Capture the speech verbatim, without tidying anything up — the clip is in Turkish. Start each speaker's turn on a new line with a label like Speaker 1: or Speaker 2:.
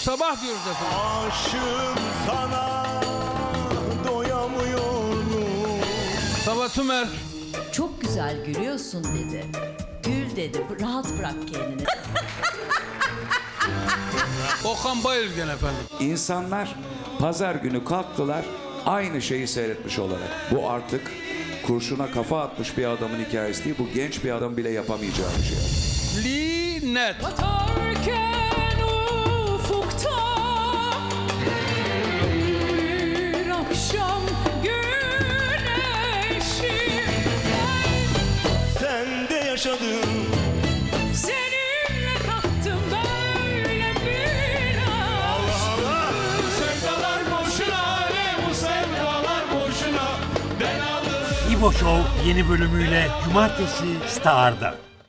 Speaker 1: sabah diyoruz efendim.
Speaker 2: Aşığım sana doyamıyorum.
Speaker 1: Sabah Tümer.
Speaker 3: Çok güzel gülüyorsun dedi. Gül dedi. Rahat bırak kendini.
Speaker 1: Okan Bayülgen efendim.
Speaker 4: İnsanlar pazar günü kalktılar aynı şeyi seyretmiş olarak. Bu artık kurşuna kafa atmış bir adamın hikayesi değil. Bu genç bir adam bile yapamayacağı bir şey.
Speaker 1: Linet.
Speaker 5: Batarken ufukta bir akşam güneşi,
Speaker 2: Sen de yaşadın.
Speaker 5: seninle tattım böyle bir aşk.
Speaker 2: Sevdalar boşuna, ne bu sevdalar boşuna. Ben aldım.
Speaker 6: İbo Show yeni bölümüyle Cumartesi Star'da.